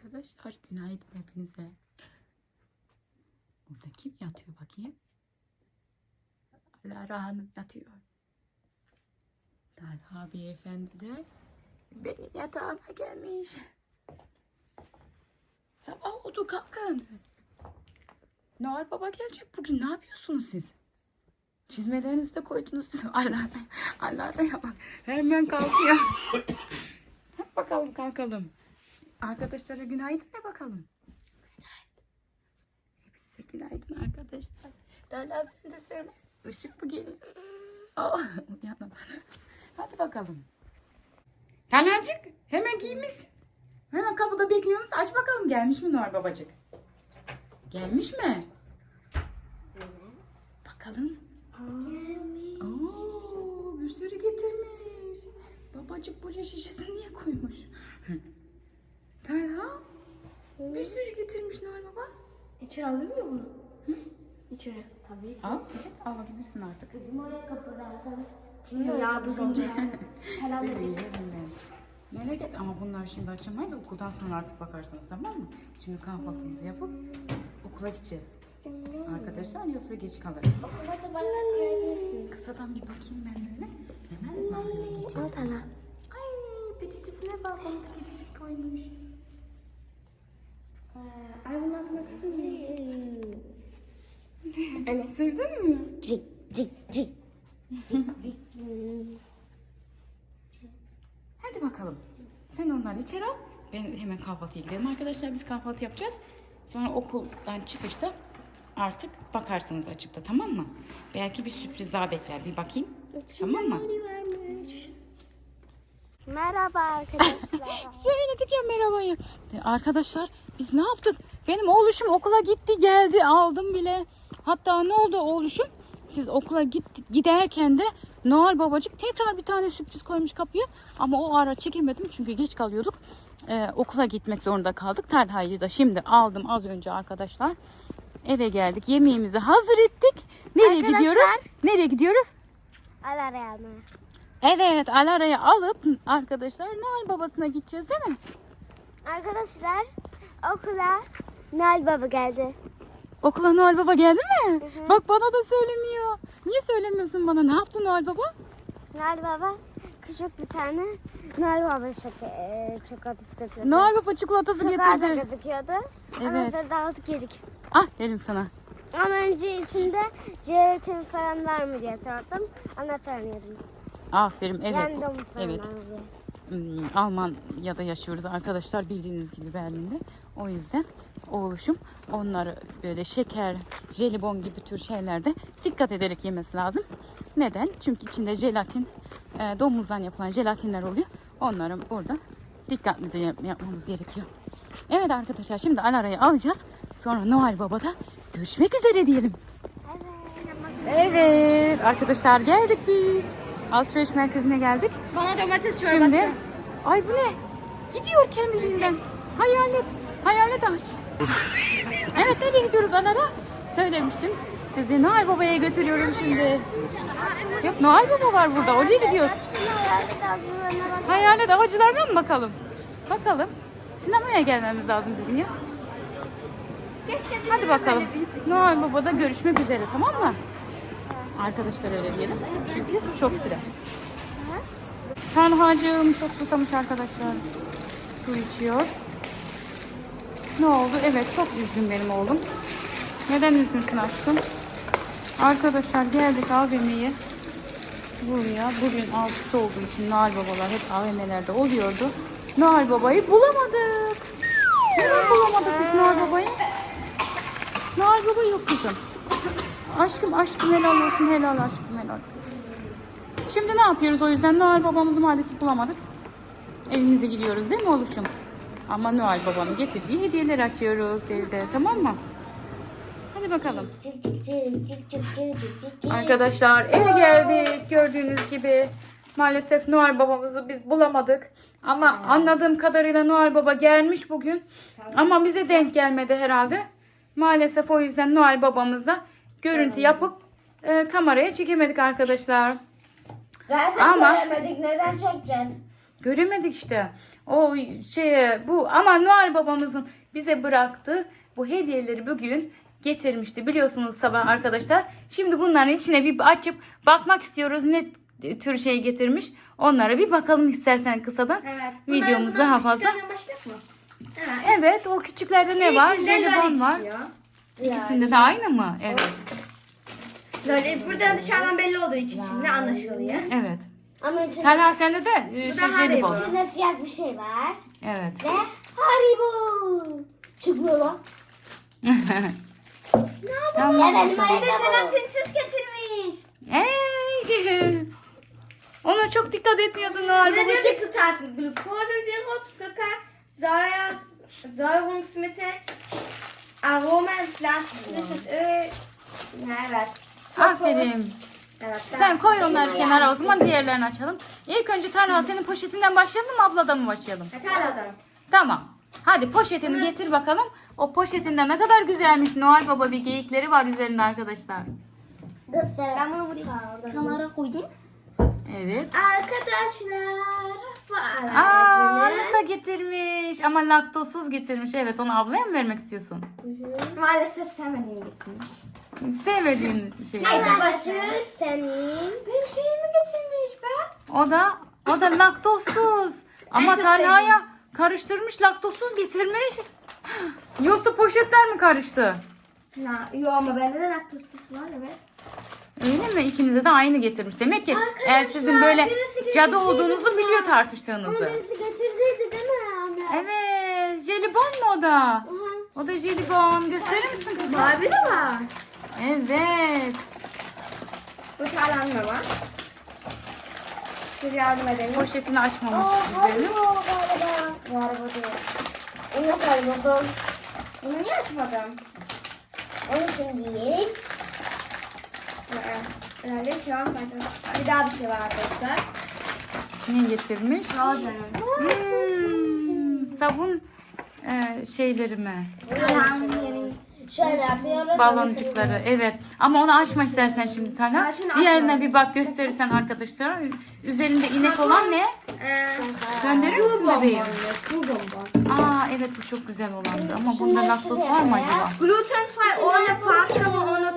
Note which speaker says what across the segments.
Speaker 1: Arkadaşlar günaydın hepinize. Burada kim yatıyor bakayım? Lara Hanım yatıyor. Talha Beyefendi de benim yatağıma gelmiş. Sabah oldu, kalkın. Noel Baba gelecek bugün. Ne yapıyorsunuz siz? Çizmelerinizi de koydunuz. Alara'ya bak. Hemen kalkıyor. Bakalım kalkalım. Arkadaşlara günaydın de bakalım. Hepinize günaydın arkadaşlar. Derla sen de söyle. Işık mı geliyor? Oh, uyandım. Hadi bakalım. Talhacık hemen giymişsin. Hemen kapıda bekliyorsunuz. Aç bakalım, gelmiş mi Noel Babacık? Gelmiş mi? Bakalım.
Speaker 2: Gelmiş.
Speaker 1: Oo, bir sürü getirmiş. Babacık buraya şişesini niye koymuş? Talha bir sürü getirmiş Noel Baba.
Speaker 2: İçeri alıyor mu bunu? İçeri. Tabii ki.
Speaker 1: Al, evet, alabilirsin artık.
Speaker 2: Kızım oraya kapılarsan. Şimdi ya biz önce. Helal
Speaker 1: Seni
Speaker 2: edin.
Speaker 1: yerim ben. Melek et ama bunları şimdi açamayız. Okuldan sonra artık bakarsınız, tamam mı? Şimdi kahvaltımızı yapıp okula gideceğiz. Arkadaşlar, yoksa geç kalırız.
Speaker 2: Okula da bana koyabilirsin.
Speaker 1: Kısadan bir bakayım ben böyle. Hemen masaya geçelim.
Speaker 2: Al Tala.
Speaker 1: Ay, peçetesine bak, onu da kedicik koymuş.
Speaker 2: Ay bunu atmak istiyorum.
Speaker 1: Anne sevdin mi?
Speaker 2: Cik cik cik.
Speaker 1: Hadi bakalım. Sen onları içeri al. Ben hemen kahvaltıya gidelim arkadaşlar. Biz kahvaltı yapacağız. Sonra okuldan çıkışta artık bakarsınız açıkta, tamam mı? Belki bir sürpriz daha bekler. Bir bakayım. Tamam mı?
Speaker 2: Merhaba arkadaşlar.
Speaker 1: Söyledik ya merhabayı. Arkadaşlar biz ne yaptık? Benim oğluşum okula gitti geldi, aldım bile. Hatta ne oldu oğluşum? Siz okula giderken de Noel Babacık tekrar bir tane sürpriz koymuş kapıya. Ama o ara çekemedim çünkü geç kalıyorduk. Okula gitmek zorunda kaldık. Talha'yı da şimdi aldım az önce arkadaşlar. Eve geldik. Yemeğimizi hazır ettik. Nereye
Speaker 2: Arkadaşlar.
Speaker 1: gidiyoruz? Nereye gidiyoruz?
Speaker 2: Alara'ya mı?
Speaker 1: Evet, Alara'yı alıp arkadaşlar Noel Babasına gideceğiz değil mi?
Speaker 2: Arkadaşlar okula Noel Baba geldi.
Speaker 1: Okula Noel Baba geldi mi? Bak bana da söylemiyor. Niye söylemiyorsun bana? Ne yaptı Noel Baba?
Speaker 2: Noel Baba küçük bir tane Noel Baba çikolatası götürdü.
Speaker 1: Noel Baba çikolatası
Speaker 2: Çok az
Speaker 1: getirdi.
Speaker 2: gözüküyordu.
Speaker 1: Evet.
Speaker 2: Ondan sonra dağıtıp yedik.
Speaker 1: Ah, verim sana.
Speaker 2: Ama önce içinde jelatin falan var mı diye sordum. Ondan sonra yedim.
Speaker 1: Aferin, evet.
Speaker 2: Yani domuz falan
Speaker 1: Evet.
Speaker 2: var mı diye.
Speaker 1: Almanya'da yaşıyoruz arkadaşlar, bildiğiniz gibi Berlin'de. O yüzden oğluşum onları böyle şeker, jelibon gibi tür şeylerde dikkat ederek yemesi lazım. Neden? Çünkü içinde jelatin, domuzdan yapılan jelatinler oluyor. Onları burada dikkatlice yapmamız gerekiyor. Evet arkadaşlar, şimdi Alara'yı alacağız. Sonra Noel Baba'da görüşmek üzere diyelim. Evet arkadaşlar, geldik biz. Alışveriş merkezine geldik.
Speaker 2: Bana domates çorbası.
Speaker 1: Şimdi, ay bu ne? Gidiyor kendiliğinden. Hayalet, hayalet ağaç. Evet, nereye gidiyoruz Alara? Söylemiştim. Sizi Noel Baba'ya götürüyorum şimdi. Yok, Noel Baba var burada. Oraya gidiyoruz. Hayalet avcılarına mı bakalım? Bakalım. Sinemaya gelmemiz lazım bugün ya. Hadi bakalım. Noel Baba'da görüşmek üzere, tamam mı? Arkadaşlar öyle diyelim. Çünkü çok sürer. Talhacığım çok susamış arkadaşlar. Su içiyor. Ne oldu? Evet, çok üzgün benim oğlum. Neden üzgünsün aşkım? Arkadaşlar geldik AVM'ye. Buraya. Bugün 6'sı olduğu için Noel Babalar hep AVM'lerde oluyordu. Noel Baba'yı bulamadık. Neden bulamadık biz Noel Baba'yı? Noel Baba yok kızım. Aşkım helal olsun, helal aşkım helal. Şimdi ne yapıyoruz o yüzden? Noel Babamızı maalesef bulamadık. Evimize gidiyoruz değil mi oğluşum? Ama Noel Baba'nın getirdiği hediyeleri açıyoruz evde, tamam mı? Hadi bakalım. Arkadaşlar eve geldik. Gördüğünüz gibi maalesef Noel Babamızı biz bulamadık. Ama anladığım kadarıyla Noel Baba gelmiş bugün. Ama bize denk gelmedi herhalde. Maalesef o yüzden Noel Babamızla görüntü yapıp kameraya çekemedik arkadaşlar.
Speaker 2: Zaten
Speaker 1: Ama-
Speaker 2: göremedik. Neden çekeceğiz?
Speaker 1: Göremedik işte. O bu ama Noel babamızın bize bıraktığı bu hediyeleri bugün getirmişti. Biliyorsunuz sabah arkadaşlar. Şimdi bunların içine bir açıp bakmak istiyoruz. Ne tür şey getirmiş. Onlara bir bakalım istersen kısadan.
Speaker 3: Evet.
Speaker 1: Videomuz daha fazla.
Speaker 3: Başlayalım mı?
Speaker 1: Evet, o küçüklerde ne var? Jelibon var. İkisinde de aynı mı? Evet.
Speaker 3: Böyle burada dışarıdan belli olduğu için içinde anlaşılıyor.
Speaker 1: Evet.
Speaker 2: Ama içinde,
Speaker 1: Talha sende de jelibon.
Speaker 2: içinde siyah bir şey var.
Speaker 1: Evet.
Speaker 2: Ve Haribo. Çıkmıyor lan.
Speaker 1: Tamam.
Speaker 2: Ya benim
Speaker 3: Bize
Speaker 2: ayakkabım.
Speaker 3: jelatinsiz getirmiş.
Speaker 1: Ey! Ona çok dikkat etmiyordun Noel
Speaker 3: Burada diyor ki
Speaker 1: babacık.
Speaker 3: Zutaten: Glukosensirup, Zucker, Säurungsmittel, Aromen, pflanzliches Öl. Ja, evet.
Speaker 1: Aferin.
Speaker 3: Evet.
Speaker 1: Sen koy onları kenara, o zaman diğerlerini açalım. İlk önce Talha senin poşetinden başlayalım mı, abladan mı başlayalım?
Speaker 3: Hadi.
Speaker 1: Tamam. Hadi poşetini getir bakalım. O poşetinde ne kadar güzelmiş. Noel Baba bir geyikleri var üzerinde arkadaşlar.
Speaker 2: Göster.
Speaker 3: Ben bunu buraya kenara koyayım.
Speaker 1: Evet.
Speaker 3: Arkadaşlar.
Speaker 1: Aa, onu da getirmiş. Ama laktozsuz getirmiş. Evet, onu ablaya mı vermek istiyorsun?
Speaker 3: Maalesef sevmediğim getirmiş.
Speaker 1: Sevmediğin bir şey.
Speaker 3: Neyse,
Speaker 1: Evet.
Speaker 3: başlıyoruz.
Speaker 2: Senin.
Speaker 3: Benim şeyimi getirmiş be.
Speaker 1: O da laktozsuz. Ama
Speaker 3: çok
Speaker 1: Talha'ya karıştırmış, laktozsuz getirmiş. Yoksa poşetler mi karıştı?
Speaker 3: Yo ama bende de laktozsuz var, evet.
Speaker 1: Öyle mi? İkinize de aynı getirmiş. Demek ki eğer sizin böyle
Speaker 3: birisi
Speaker 1: cadı
Speaker 3: getirdi
Speaker 1: olduğunuzu biliyor tartıştığınızı.
Speaker 2: Birisi getirdiydi değil mi anne?
Speaker 1: Evet. Jelibon mu o da? O da jelibon. Gösterir misin kızım?
Speaker 3: Barbie de var.
Speaker 1: Evet.
Speaker 3: Bu çağlanma var. Dur yardım edelim.
Speaker 1: Poşetini açmamış
Speaker 2: Haribo
Speaker 1: üzerini.
Speaker 2: galiba.
Speaker 3: Haribo değil.
Speaker 2: Onu kayboldum.
Speaker 3: Bunu niye açmadın?
Speaker 2: Onu şimdi yiyeyim.
Speaker 3: Herhalde şu an faydalı. Bir daha bir şey var arkadaşlar.
Speaker 1: Ne getirmiş?
Speaker 3: Rozen'in.
Speaker 1: Sabun şeyleri mi?
Speaker 3: Kalanın yerini.
Speaker 2: Şöyle yapıyoruz.
Speaker 1: Baloncukları. Evet. Ama onu açma istersen şimdi Talha.
Speaker 3: Ben şimdi
Speaker 1: Diğerine
Speaker 3: açmam.
Speaker 1: bir bak, gösterirsen arkadaşlara. Üzerinde inek olan ne? Gönderir misin bebeğim?
Speaker 3: Cool bonbon.
Speaker 1: Aa evet, bu çok güzel olandı. Ama bunda laktoz var mı acaba?
Speaker 3: Glutenfrei ohne Farbstoffe, ohne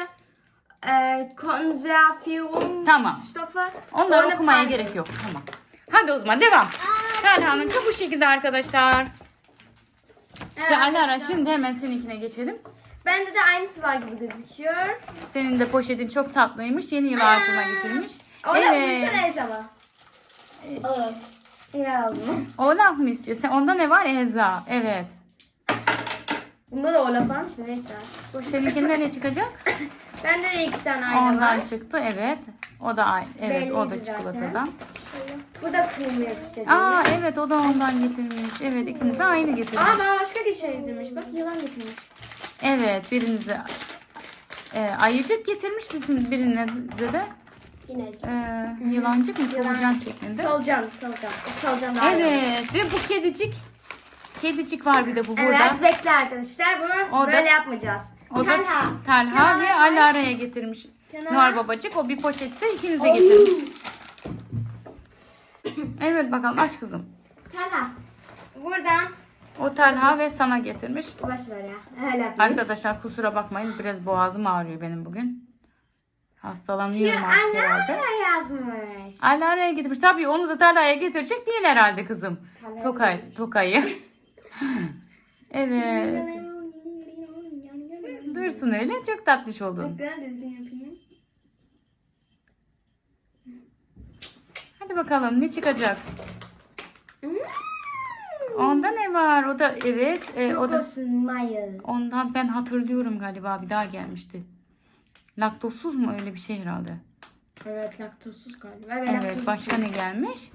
Speaker 3: Konservierungsstoffe.
Speaker 1: Tamam. Onları
Speaker 3: ohne
Speaker 1: okumaya
Speaker 3: Palmöl.
Speaker 1: gerek yok. Tamam. Hadi o zaman devam. Talha'nın bu şekilde arkadaşlar.
Speaker 3: Evet,
Speaker 1: Ve Alara
Speaker 3: arkadaşlar.
Speaker 1: şimdi hemen seninkine geçelim.
Speaker 3: Bende de aynısı var gibi gözüküyor.
Speaker 1: Senin de poşetin çok tatlıymış. Yeni yıl ağacına getirmiş.
Speaker 3: Öyle
Speaker 1: Evet.
Speaker 3: evet. Neyse ama.
Speaker 2: Evet.
Speaker 3: İyi aldım.
Speaker 1: Olaf mı istiyorsun? Onda ne var? Elza. Evet.
Speaker 3: Bunda da Olaf varmış da neyse.
Speaker 1: Seninkinde ne çıkacak?
Speaker 3: Bende de 2 tane ayna
Speaker 1: Ondan
Speaker 3: var.
Speaker 1: çıktı. Evet. O da aynı. Evet, o da
Speaker 3: Belliydi zaten.
Speaker 1: çikolatadan.
Speaker 3: Bu da kıymet işte.
Speaker 1: Aa evet, o da ondan getirmiş. Evet, ikinize aynı getirmiş.
Speaker 3: Aa bana başka bir şey getirmiş. Bak yılan getirmiş.
Speaker 1: Evet, birinize ayıcık getirmiş, birinize de
Speaker 2: Yine.
Speaker 1: yılancık mı, solucan şeklinde.
Speaker 3: Solucan. Solucan daha iyi.
Speaker 1: Evet, ve bu kedicik var bir de bu burada.
Speaker 3: Evet bekle arkadaşlar. Bunu
Speaker 1: O da-
Speaker 3: böyle yapmayacağız.
Speaker 1: O da Talha
Speaker 3: Kenara
Speaker 1: ve
Speaker 3: koy.
Speaker 1: Alara'ya getirmiş.
Speaker 3: Kenara.
Speaker 1: Noel babacık o bir poşette ikinize getirmiş. Evet bakalım, aç kızım.
Speaker 3: Talha. Buradan
Speaker 1: O Talha ve sana getirmiş.
Speaker 3: boş ver ya. Öyle yapayım.
Speaker 1: Arkadaşlar kusura bakmayın, biraz boğazım ağrıyor benim bugün. Hastalanıyorum artık herhalde.
Speaker 3: Anne yazmış.
Speaker 1: Alara'ya getirmiş. Tabii onu da Talha'ya getirecek değil herhalde kızım.
Speaker 3: Talha'ya
Speaker 1: Tokay'ı. Evet. Dursun öyle, çok tatlış oldun.
Speaker 3: Ben düzgün yapayım.
Speaker 1: Hadi bakalım ne çıkacak? Onda ne var? O da evet. O da
Speaker 3: Chocosmile.
Speaker 1: ondan ben hatırlıyorum galiba, bir daha gelmişti. Laktozsuz mu, öyle bir şey herhalde.
Speaker 3: Evet laktozsuz galiba.
Speaker 1: Evet, başka ne gelmiş?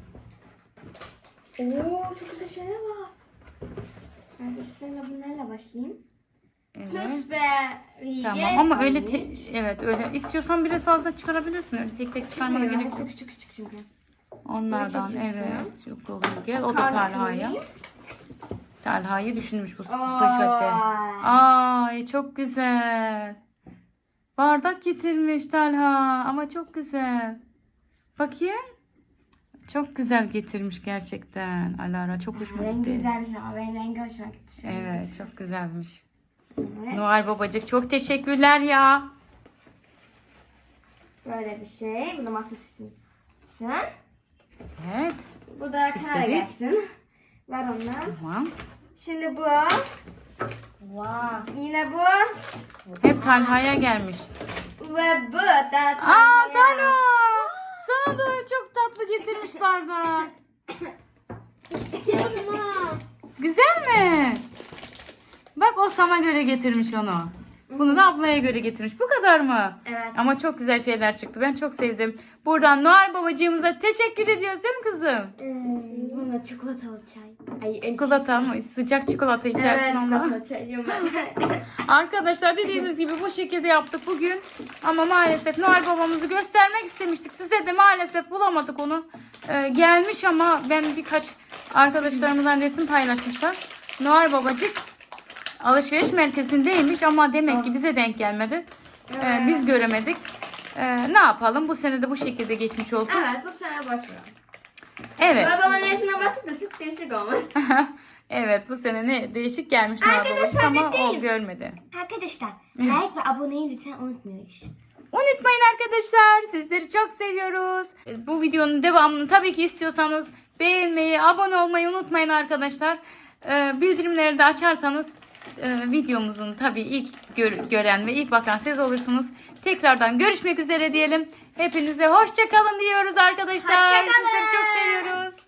Speaker 3: Oo çok güzel şeyler var. Arkadaşlar bunlarla başlayayım.
Speaker 1: Evet.
Speaker 3: Plusberry.
Speaker 1: Tamam ama öyle evet, öyle istiyorsan biraz fazla çıkarabilirsin. Öyle tek tek çıkarmana gerek yok.
Speaker 3: Hepsi küçük çünkü.
Speaker 1: Onlardan
Speaker 3: Küçük çıktı.
Speaker 1: evet. Çok oluyor. Gel, o da
Speaker 3: Kartını
Speaker 1: Talha'ya.
Speaker 3: alayım.
Speaker 1: Talha'yı düşünmüş bu
Speaker 3: Ay.
Speaker 1: poşette. Ay çok güzel. Bardak getirmiş Talha ama çok güzel. Bakayım. Çok güzel getirmiş gerçekten. Alara çok hoşuma
Speaker 3: Rengi
Speaker 1: gitti.
Speaker 3: güzelmiş ama benim rengi hoşuma gitti.
Speaker 1: Evet, çok güzelmiş.
Speaker 3: Evet.
Speaker 1: Noel babacık çok teşekkürler ya.
Speaker 3: Böyle bir şey. Bu da masa süsün.
Speaker 1: Evet,
Speaker 3: Bu da
Speaker 1: Süsledik.
Speaker 3: kenara gelsin. Var ondan.
Speaker 1: tamam.
Speaker 3: Şimdi bu. Yine bu.
Speaker 1: Hep Talha'ya gelmiş.
Speaker 3: Ve bu da
Speaker 1: Aa Talha! Sana da çok tatlı getirmiş bardak. Güzel mi? Bak o sana göre getirmiş onu. Bunu da ablaya göre getirmiş. Bu kadar mı?
Speaker 3: Evet.
Speaker 1: Ama çok güzel şeyler çıktı. Ben çok sevdim. Buradan Noel babacığımıza teşekkür ediyoruz değil mi kızım?
Speaker 3: Bu da çikolatalı çay. Ay,
Speaker 1: Çikolata mı? Sıcak çikolata içersin
Speaker 3: Evet,
Speaker 1: ondan.
Speaker 3: çikolatalı çay diyorum ben.
Speaker 1: Arkadaşlar dediğimiz gibi bu şekilde yaptık bugün. Ama maalesef Noel babamızı göstermek istemiştik. Size de maalesef bulamadık onu. Gelmiş ama ben birkaç arkadaşlarımızdan resim paylaşmışlar. Noel babacık alışveriş merkezindeymiş ama demek ki bize denk gelmedi. Biz göremedik. Ne yapalım? Bu sene de bu şekilde geçmiş olsun.
Speaker 3: Evet, bu sene boş ver.
Speaker 1: Evet.
Speaker 3: Babamın resmine baktık da çok değişik olmuş.
Speaker 1: Evet, bu sene ne değişik gelmiş Noel babacık
Speaker 3: Arkadaşlar,
Speaker 1: ama o
Speaker 3: bekleyin.
Speaker 1: görmedi.
Speaker 3: Arkadaşlar, like ve aboneyi lütfen unutmayın.
Speaker 1: Unutmayın arkadaşlar. Sizleri çok seviyoruz. Bu videonun devamını tabii ki istiyorsanız beğenmeyi, abone olmayı unutmayın arkadaşlar. Bildirimleri de açarsanız videomuzun tabii ilk gören ve ilk bakan siz olursunuz. Tekrardan görüşmek üzere diyelim. Hepinize hoşça kalın diyoruz arkadaşlar.
Speaker 3: Hoşça kalın.
Speaker 1: Sizleri çok seviyoruz.